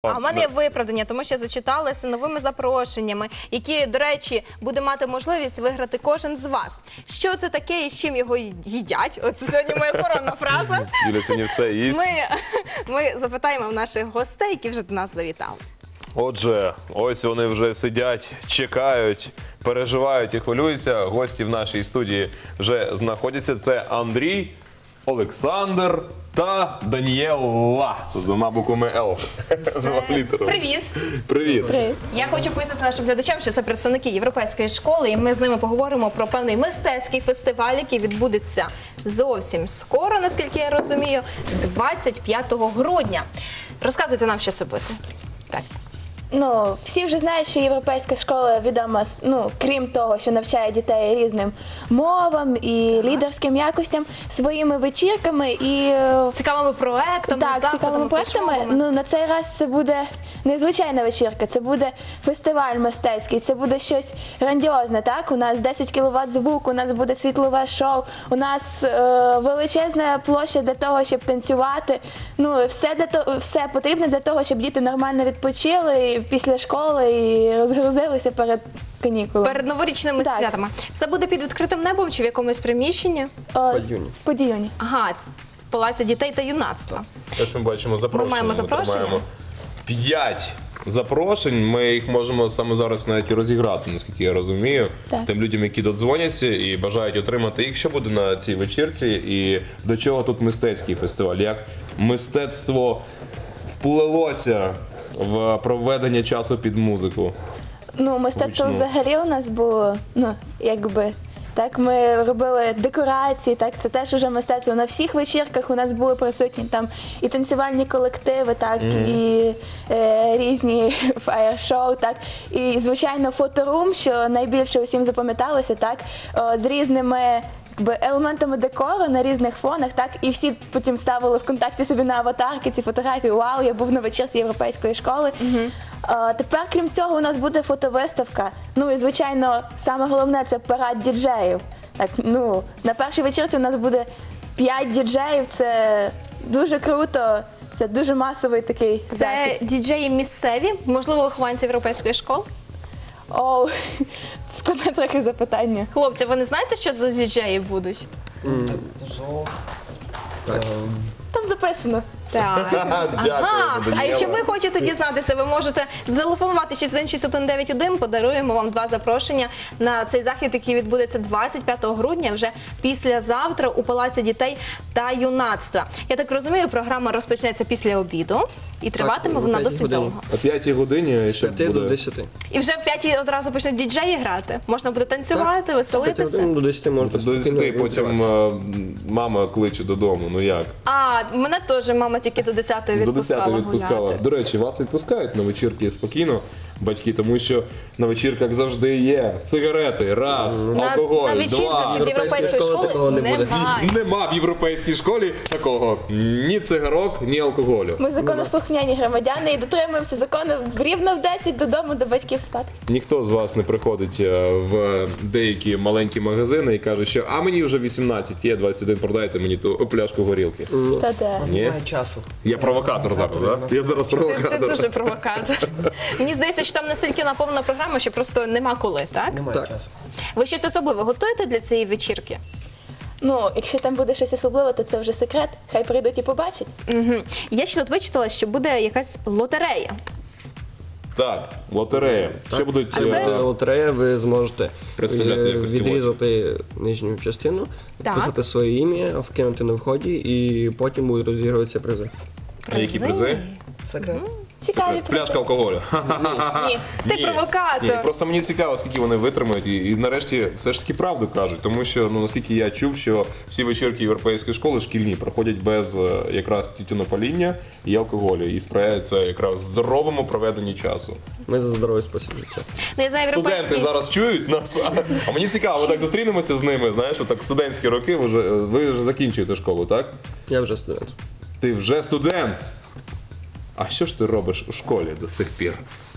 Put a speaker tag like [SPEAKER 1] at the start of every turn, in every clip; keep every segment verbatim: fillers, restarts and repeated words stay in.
[SPEAKER 1] А в мене є виправдання, тому що зачиталася новими запрошеннями, які, до речі, буде мати можливість виграти кожен з вас. Що це таке і з чим його їдять? Оце сьогодні моя коронна фраза.
[SPEAKER 2] Юля сьогодні все їсть.
[SPEAKER 1] Ми, ми запитаємо в наших гостей, які вже до нас завітали.
[SPEAKER 2] Отже, ось вони вже сидять, чекають, переживають і хвилюються. Гості в нашій студії вже знаходяться. Це Андрій, Олександр та Даніела. З двома буквами Л. З двома літерами.
[SPEAKER 1] Привіт!
[SPEAKER 2] Привіт.
[SPEAKER 3] Привіт.
[SPEAKER 1] Я хочу пояснити нашим глядачам, що це представники європейської школи, і ми з ними поговоримо про певний мистецький фестиваль, який відбудеться зовсім скоро, наскільки я розумію, двадцять п'ятого грудня. Розказуйте нам, що це буде. Так.
[SPEAKER 3] Ну, всі вже знають, що європейська школа відома, ну, крім того, що навчає дітей різним мовам і лідерським якостям, своїми вечірками і
[SPEAKER 1] Цікавими проектами,
[SPEAKER 3] так,
[SPEAKER 1] заходами,
[SPEAKER 3] цікавими проектами.
[SPEAKER 1] флешмобами.
[SPEAKER 3] Ну, на цей раз це буде незвичайна вечірка, це буде фестиваль мистецький, це буде щось грандіозне, так? У нас десять кіловат звуку, у нас буде світлове шоу, у нас е, величезна площа для того, щоб танцювати. Ну, все, для того, все потрібно для того, щоб діти нормально відпочили після школи і розгрузилися перед канікулами.
[SPEAKER 1] Перед новорічними
[SPEAKER 3] Так.
[SPEAKER 1] святами. Це буде під відкритим небом чи в якомусь приміщенні?
[SPEAKER 3] О,
[SPEAKER 4] Подіюні.
[SPEAKER 3] в Подіюні.
[SPEAKER 1] Ага, в Палаці дітей та юнацтва.
[SPEAKER 2] Ось ми бачимо запрошення.
[SPEAKER 1] Ми маємо запрошення?
[SPEAKER 2] тримаємо п'ять запрошень. Ми їх можемо саме зараз навіть і розіграти, наскільки я розумію.
[SPEAKER 3] Так.
[SPEAKER 2] Тим людям, які додзвоняться і бажають отримати їх. Що буде на цій вечірці і до чого тут мистецький фестиваль? Як мистецтво вплелося в проведення часу під музику?
[SPEAKER 3] Ну, мистецтво
[SPEAKER 2] Гучно.
[SPEAKER 3] взагалі у нас було, ну, якби, так, ми робили декорації, так, це теж уже мистецтво. На всіх вечірках у нас були присутні там і танцювальні колективи, так, і е, різні фаєр-шоу, так, і, звичайно, фоторум, що найбільше усім запам'яталося, так, о, з різними якби, елементами декору на різних фонах, так, і всі потім ставили ВКонтакті собі на аватарки ці фотографії. Вау, я був на вечірці європейської школи. А, тепер, крім цього, у нас буде фотовиставка. Ну і, звичайно, саме головне – це парад діджеїв. Так, ну, на першій вечірці у нас буде п'ять діджеїв, це дуже круто, це дуже масовий такий
[SPEAKER 1] Це
[SPEAKER 3] захід.
[SPEAKER 1] діджеї місцеві, можливо, вихованці європейської школи?
[SPEAKER 3] О, складне трохи запитання.
[SPEAKER 1] Хлопці, ви не знаєте, що за діджеї будуть?
[SPEAKER 3] Там записано.
[SPEAKER 1] Так.
[SPEAKER 2] Дякую,
[SPEAKER 1] Ага. А
[SPEAKER 2] Даніела.
[SPEAKER 1] якщо ви хочете дізнатися, ви можете зателефонувати шість один шість один дев'ять один, подаруємо вам два запрошення на цей захід, який відбудеться двадцять п'ятого грудня, вже післязавтра у Палаці дітей та юнацтва. Я так розумію, програма розпочнеться після обіду і триватиме
[SPEAKER 4] о
[SPEAKER 1] вона
[SPEAKER 4] п'ятій
[SPEAKER 1] досить
[SPEAKER 4] годині.
[SPEAKER 1] довго.
[SPEAKER 2] О п'ятій годині
[SPEAKER 4] З
[SPEAKER 2] ще
[SPEAKER 4] п'яти до
[SPEAKER 2] буде...
[SPEAKER 4] десяти.
[SPEAKER 1] І вже в п'ятій одразу почнуть діджеї грати. Можна буде танцювати,
[SPEAKER 4] З п'яти
[SPEAKER 1] веселитися.
[SPEAKER 4] годин до десяти можна
[SPEAKER 2] До десяти потім е, мама кличе додому, ну як?
[SPEAKER 1] А, мене теж мама тільки до десятої
[SPEAKER 2] До
[SPEAKER 1] відпускала
[SPEAKER 2] десятої відпускала.
[SPEAKER 1] гуляти.
[SPEAKER 2] До речі, вас відпускають на вечірки спокійно, батьки, тому що на вечірках завжди є сигарети, раз,
[SPEAKER 1] На,
[SPEAKER 2] алкоголь,
[SPEAKER 1] на вечірках
[SPEAKER 2] два.
[SPEAKER 1] від
[SPEAKER 4] Європейської
[SPEAKER 1] європейської
[SPEAKER 4] школи такого
[SPEAKER 1] школи
[SPEAKER 4] не буде.
[SPEAKER 1] немає.
[SPEAKER 2] Нема в європейській школі такого ні цигарок, ні алкоголю.
[SPEAKER 3] Ми законослухняні громадяни і дотримуємося закону рівно в десять додому до батьків спати.
[SPEAKER 2] Ніхто з вас не приходить е, в деякі маленькі магазини і каже, що а мені вже вісімнадцять, є двадцять один, продайте мені ту пляшку горілки.
[SPEAKER 3] Та де.
[SPEAKER 2] Ні?
[SPEAKER 4] Немає часу.
[SPEAKER 2] Я провокатор зараз, так? Я зараз
[SPEAKER 1] Ти, ти
[SPEAKER 2] провокатор.
[SPEAKER 1] дуже провокатор. Мені здається, що там настільки наповнена програма, що просто нема коли, так?
[SPEAKER 4] Немає
[SPEAKER 2] Так.
[SPEAKER 4] часу.
[SPEAKER 1] Ви щось особливе готуєте для цієї вечірки?
[SPEAKER 3] Ну, якщо там буде щось особливе, то це вже секрет. Хай прийдуть і побачать.
[SPEAKER 1] Угу. Я ще тут вичитала, що буде якась лотерея.
[SPEAKER 2] Так, лотерея. Ще будуть...
[SPEAKER 1] А це-
[SPEAKER 2] е,
[SPEAKER 4] Лотерея ви зможете
[SPEAKER 2] Представляти
[SPEAKER 4] е,
[SPEAKER 2] якось
[SPEAKER 4] відрізати нижню частину,
[SPEAKER 1] Так.
[SPEAKER 4] вписати своє ім'я, вкинути на вході і потім будуть розігруватися призи.
[SPEAKER 2] А які призи?
[SPEAKER 4] Секрет.
[SPEAKER 3] Цікаві
[SPEAKER 2] Пляшка алкоголю.
[SPEAKER 1] Ні, ти
[SPEAKER 2] Ні,
[SPEAKER 1] провокатор.
[SPEAKER 2] Ні, просто мені цікаво, скільки вони витримають, і, і нарешті все ж таки правду кажуть. Тому що, ну наскільки я чув, що всі вечірки європейської школи шкільні проходять без е, якраз тютюнопаління і алкоголю, і сприяється якраз здоровому проведенню часу.
[SPEAKER 4] Ми за здоровий спосіб життя.
[SPEAKER 1] Ну, я знаю,
[SPEAKER 2] Студенти
[SPEAKER 1] європейські...
[SPEAKER 2] зараз чують нас, а, а мені цікаво, ми так зустрінемося з ними. Знаєш, отак студентські роки, ви вже, ви вже закінчуєте школу, так?
[SPEAKER 4] Я вже студент.
[SPEAKER 2] Ти вже студент. а що ж ти робиш у школі до сих пір?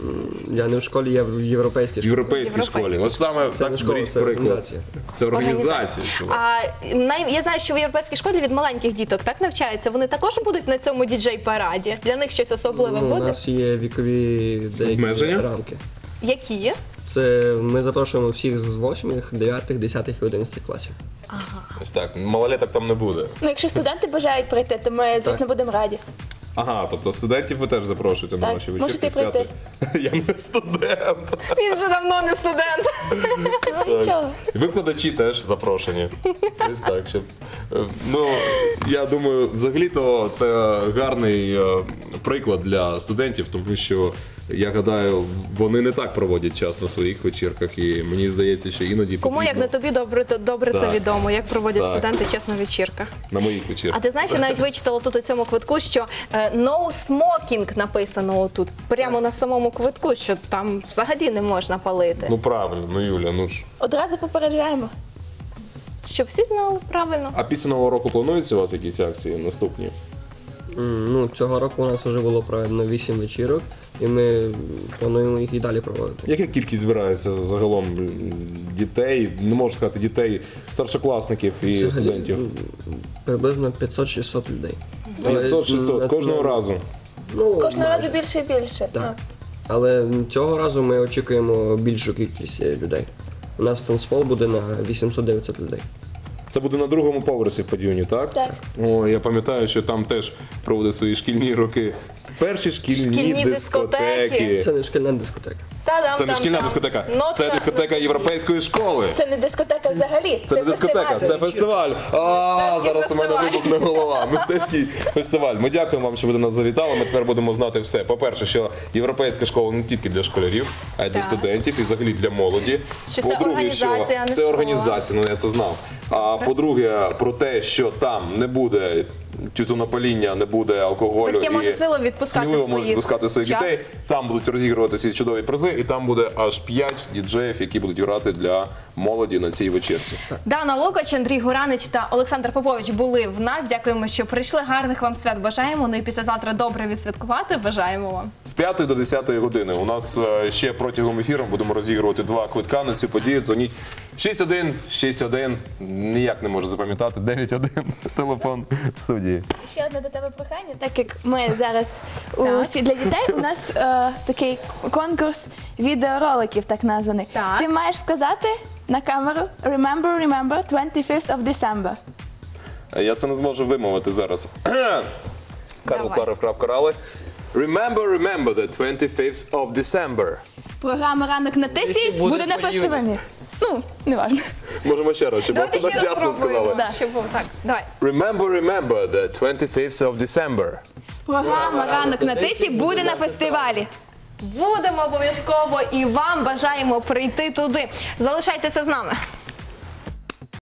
[SPEAKER 4] Я не в школі, я в європейській
[SPEAKER 2] В
[SPEAKER 4] школі.
[SPEAKER 2] європейській школі. Ось саме
[SPEAKER 4] Це
[SPEAKER 2] так
[SPEAKER 4] не школа,
[SPEAKER 2] беріть
[SPEAKER 4] це
[SPEAKER 2] приклад.
[SPEAKER 4] організація.
[SPEAKER 2] Це організація. ціла.
[SPEAKER 1] А най- я знаю, що в європейській школі від маленьких діток так навчаються. Вони також будуть на цьому діджей-параді. Для них щось особливе
[SPEAKER 4] Ну, у
[SPEAKER 1] буде.
[SPEAKER 4] нас є вікові деякі
[SPEAKER 2] Обмеження?
[SPEAKER 4] рамки.
[SPEAKER 1] Які є?
[SPEAKER 4] Це ми запрошуємо всіх з восьмих, дев'ятих, десятих і одинадцятих класів.
[SPEAKER 2] Ось так, малолеток там не буде.
[SPEAKER 3] Ну, якщо студенти бажають прийти, то ми, звісно, будемо раді.
[SPEAKER 2] Ага, тобто студентів ви теж запрошуєте на
[SPEAKER 3] Так,
[SPEAKER 2] ваші
[SPEAKER 3] можете
[SPEAKER 2] вечірки з
[SPEAKER 3] прийти.
[SPEAKER 2] п'ятої. Я не студент.
[SPEAKER 1] Він вже давно не студент.
[SPEAKER 3] Ну, нічого.
[SPEAKER 2] Викладачі теж запрошені. Ось так, щоб. е, Ну, я думаю, взагалі-то це гарний е, приклад для студентів, тому що я гадаю, вони не так проводять час на своїх вечірках, і мені здається, що іноді
[SPEAKER 1] Кому як не
[SPEAKER 2] потрібно
[SPEAKER 1] тобі добре, то добре це
[SPEAKER 2] Так.
[SPEAKER 1] відомо, як проводять
[SPEAKER 2] Так.
[SPEAKER 1] студенти чесно вечірка.
[SPEAKER 2] на моїх
[SPEAKER 1] А
[SPEAKER 2] вечірках.
[SPEAKER 1] ти знаєш, я навіть вичитала тут у цьому квитку, що е, no smoking написано тут, прямо на самому квитку, що там взагалі не можна палити.
[SPEAKER 2] Ну правильно, ну Юля, ну ж.
[SPEAKER 3] Одразу попереджаємо.
[SPEAKER 1] Щоб всі знали правильно.
[SPEAKER 2] А після нового року плануються у вас якісь акції наступні?
[SPEAKER 4] М, Ну, цього року у нас вже було проведено вісім вечірок, і ми плануємо їх і далі проводити.
[SPEAKER 2] Яка кількість збирається загалом м, дітей, не можу сказати дітей, старшокласників і
[SPEAKER 4] Взагалі,
[SPEAKER 2] студентів?
[SPEAKER 4] м, Приблизно п'ятсот-шістсот людей. Але,
[SPEAKER 2] п'ятсот шістсот
[SPEAKER 4] м,
[SPEAKER 2] кожного
[SPEAKER 4] на-
[SPEAKER 2] разу.
[SPEAKER 4] Ну,
[SPEAKER 3] Кожного
[SPEAKER 4] майже.
[SPEAKER 3] разу більше і більше.
[SPEAKER 4] Так. Але цього разу ми очікуємо більшу кількість е, людей. У нас танцпол буде на вісімсот-дев'ятсот людей.
[SPEAKER 2] Це буде на другому поверсі в падіоні, так?
[SPEAKER 3] Так.
[SPEAKER 2] О, я пам'ятаю, що там теж проводить свої шкільні роки. Перші шкільні,
[SPEAKER 1] Шкільні
[SPEAKER 2] дискотеки.
[SPEAKER 1] дискотеки.
[SPEAKER 4] Це не шкільна дискотека.
[SPEAKER 1] Та-дам,
[SPEAKER 2] Це не
[SPEAKER 1] там,
[SPEAKER 2] шкільна
[SPEAKER 1] там.
[SPEAKER 2] дискотека,
[SPEAKER 1] Нотка
[SPEAKER 2] це дискотека
[SPEAKER 1] на
[SPEAKER 2] європейської школи.
[SPEAKER 3] Це не дискотека взагалі.
[SPEAKER 2] Це не дискотека,
[SPEAKER 3] фестиваль.
[SPEAKER 2] це фестиваль. А, зараз у мене
[SPEAKER 1] фестиваль.
[SPEAKER 2] вибухне голова. Мистецький фестиваль. Ми дякуємо вам, що ви до нас завітали. Ми тепер будемо знати все. По-перше, що європейська школа не тільки для школярів, а й для
[SPEAKER 1] Так.
[SPEAKER 2] студентів і взагалі для молоді.
[SPEAKER 1] Що це
[SPEAKER 2] По-друге, що
[SPEAKER 1] організація, а не
[SPEAKER 2] це
[SPEAKER 1] школа.
[SPEAKER 2] організація, ну я це знав. А по-друге, про те, що там не буде тютюнопаління, не буде алкоголю.
[SPEAKER 1] Батьки
[SPEAKER 2] і
[SPEAKER 1] можуть сміливо відпускати
[SPEAKER 2] сміливо
[SPEAKER 1] своїх
[SPEAKER 2] можуть відпускати своїх
[SPEAKER 1] чад.
[SPEAKER 2] дітей. Там будуть розігруватися ці чудові призи, і там буде аж п'ять діджеїв, які будуть грати для молоді на цій вечірці.
[SPEAKER 1] Дана Лукач, Андрій Гуранич та Олександр Попович були в нас. Дякуємо, що прийшли. Гарних вам свят бажаємо. Ну і післязавтра добре відсвяткувати. Бажаємо вам.
[SPEAKER 2] З п'ятої до десятої години у нас е, ще протягом ефіру будемо розігрувати два квитка на цю подію. Дзвоніть шість один шість один. Ніяк не можу запам'ятати. дев'ять один. Телефон в студії.
[SPEAKER 3] Ще одне до тебе прохання. Так як ми зараз у
[SPEAKER 1] Так.
[SPEAKER 3] всі для дітей, у нас е, такий конкурс відеороликів, так названий.
[SPEAKER 1] Так.
[SPEAKER 3] Ти маєш сказати на камеру Remember, remember, twenty-fifth of December.
[SPEAKER 2] Е, Я це не зможу вимовити зараз. Карл
[SPEAKER 1] Давай.
[SPEAKER 2] Кларов крав корали. Remember, remember the twenty-fifth of December.
[SPEAKER 3] Програма «Ранок на тисі»
[SPEAKER 4] буде
[SPEAKER 3] буде на
[SPEAKER 4] по юні.
[SPEAKER 3] фестивалі. Ну, не важно.
[SPEAKER 2] Можемо ще раз, щоб
[SPEAKER 1] Давайте
[SPEAKER 2] ви
[SPEAKER 1] ще раз
[SPEAKER 2] одночасно
[SPEAKER 1] спробуємо.
[SPEAKER 2] сказали.
[SPEAKER 1] Щоб було так. Давай.
[SPEAKER 2] Remember, remember the twenty-fifth of December.
[SPEAKER 3] Програма «Ранок на тисі» буде на фестивалі.
[SPEAKER 1] Будемо обов'язково і вам бажаємо прийти туди. Залишайтеся з нами.